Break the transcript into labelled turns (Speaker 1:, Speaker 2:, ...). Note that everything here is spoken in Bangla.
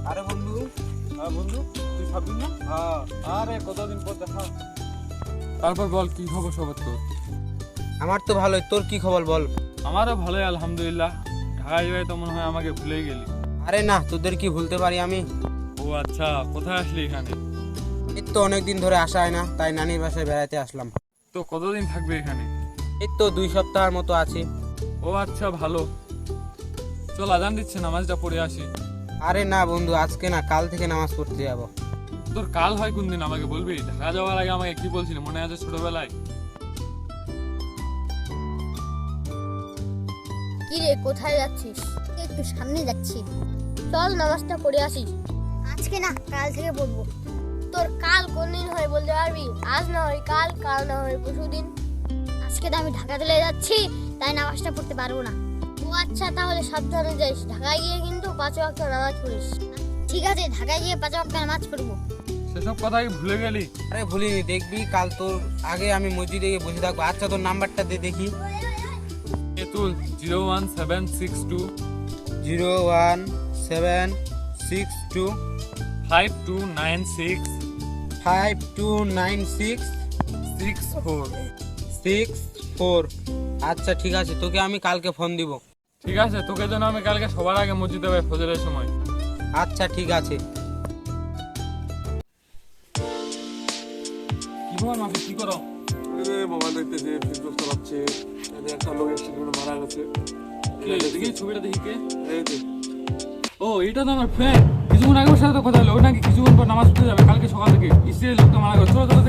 Speaker 1: আরে বন্ধু,
Speaker 2: হ্যাঁ বন্ধু, তুই সাবিন না?
Speaker 1: হ্যাঁ
Speaker 2: আরে কতদিন পর দেখা। তারপর বল, কি খবর সবার তোর?
Speaker 1: আমার তো ভালোই, তোর কি খবর বল?
Speaker 2: আমারও ভালোই আলহামদুলিল্লাহ। ঢাকায় যাই তো মনে হয় আমাকে ভুলেই গেলি।
Speaker 1: আরে না, তোদের কি ভুলতে পারি আমি?
Speaker 2: ও আচ্ছা, কোথায় আসলি এখানে?
Speaker 1: এই তো অনেকদিন ধরে আসা হয় না, তাই নানির বাসায় বেড়াতে আসলাম।
Speaker 2: তো কতদিন থাকবে এখানে?
Speaker 1: এই তো 2 সপ্তাহের মতো আছি।
Speaker 2: ও আচ্ছা, ভালো। চল, আজান দিচ্ছে, নামাজটা পড়ে আসি।
Speaker 1: আরে না বন্ধু, আজকে না, কাল থেকে নামাজ পড়তে যাব।
Speaker 2: তোর কাল হয় কোন দিন আমাকে বলবি? ঢাকা যাওয়ার আগে আমাকে কি বলছিলি মনে আছে ছোটবেলায়?
Speaker 3: কি রে, কোথায় যাচ্ছিস? একটু সামনে যাচ্ছি, চল নামাজটা পড়ে আসি। আজকে না, কাল থেকে পড়বো। তোর কাল কোন দিন হয় বলতে পারবি? আজ না হয় কাল, কাল না হয় পরশুদিন। আজকে তো আমি ঢাকা চলে যাচ্ছি, তাই নামাজটা পড়তে পারবো না। ও আচ্ছা, তাহলে সাবধানে যাইস। ঢাকায় গিয়ে কিন্তু 5 ওয়াক্ত নামাজ পড়িস। ঠিক আছে, ঢাকায় গিয়ে 5 ওয়াক্ত নামাজ পড়বো।
Speaker 2: সেসব কথা কি ভুলে গেলি?
Speaker 1: আরে ভুলিনি, দেখবি কাল তোর আগে আমি মসজিদে গিয়ে বসে থাকবো। আচ্ছা, তোর নাম্বারটা দে দেখি।
Speaker 2: এতুল 01762
Speaker 1: 01762
Speaker 2: 5296
Speaker 1: 5296
Speaker 2: 64।
Speaker 1: 64। আচ্ছা ঠিক আছে, তোকে আমি কালকে ফোন দিব।
Speaker 2: ঠিক আছে, তোকে যেন আমি কালকে সবার আগে মসজিদে যাই ফজরের সময়।
Speaker 1: আচ্ছা ঠিক আছে।
Speaker 2: কি খবর মাফি, কি করো?
Speaker 4: মোবাইল দেখতেছে, ফেসবুক চালাচ্ছে। একটা লোক অ্যাক্সিডেন্টে মারা গেছে।
Speaker 2: দেখি ছবিটা, দেখি কে?
Speaker 4: এই যে,
Speaker 2: ও, এটা তো আমার ফ্রেন্ড। কিছুক্ষণ আগে ওর সাথে তো কথা হলো, ও নাকি কিছুক্ষণ পর নামাজ পড়তে যাবে কালকে সকাল থেকে। স্ত্রীর লোকটা মারা গেছে। চলো চলো